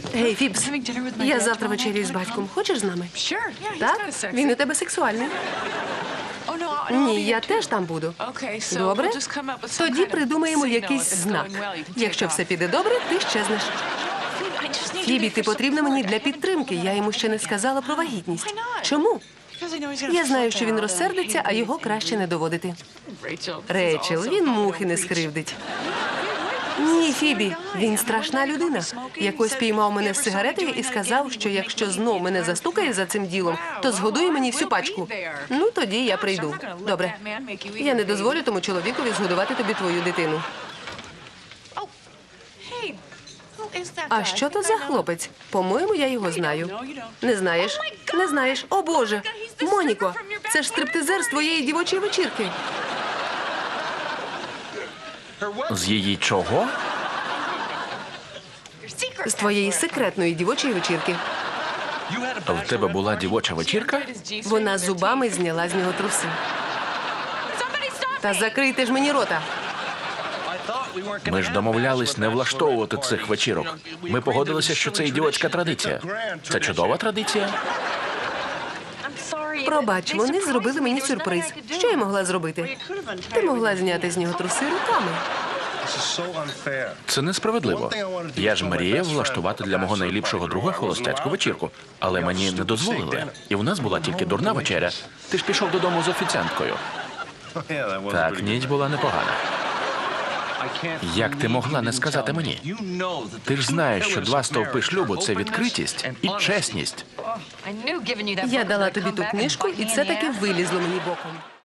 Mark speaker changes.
Speaker 1: Гей, Фібс, я завтра вечерю з батьком. Хочеш з нами? Так? Він у тебе сексуальний. Ні, я теж там буду. Добре? Тоді придумаємо якийсь знак. Якщо все піде добре, ти щезнеш. Фібі, ти потрібна мені для підтримки. Я йому ще не сказала про вагітність. Чому? Я знаю, що він розсердиться, а його краще не доводити. Рейчел, він мухи не скривдить. Ні, Фібі, він страшна людина. Якось піймав мене з сигаретою і сказав, що якщо знов мене застукає за цим ділом, то згодує мені всю пачку. Ну, тоді я прийду. Добре. Я не дозволю тому чоловікові згодувати тобі твою дитину. А що то за хлопець? По-моєму, я його знаю. Не знаєш? Не знаєш? О, Боже! Моніко, це ж стриптизер з твоєї дівочої вечірки.
Speaker 2: З її чого?
Speaker 1: З твоєї секретної дівочої вечірки.
Speaker 2: В тебе була дівоча вечірка?
Speaker 1: Вона зубами зняла з нього труси. Та закрийте ж мені рота.
Speaker 2: Ми ж домовлялись не влаштовувати цих вечірок. Ми погодилися, що це ідіотська традиція. Це чудова традиція.
Speaker 1: Пробач, вони зробили мені сюрприз. Що я могла зробити? Ти могла зняти з нього труси руками.
Speaker 2: Це несправедливо. Я ж мріяв влаштувати для мого найліпшого друга холостяцьку вечірку. Але мені не дозволили. І в нас була тільки дурна вечеря. Ти ж пішов додому з офіціанткою. Так, ніч була непогана. Як ти могла не сказати мені? Ти ж знаєш, що 2 стовпи шлюбу – це відкритість і чесність.
Speaker 1: Я дала тобі ту книжку, і це таки вилізло мені боком.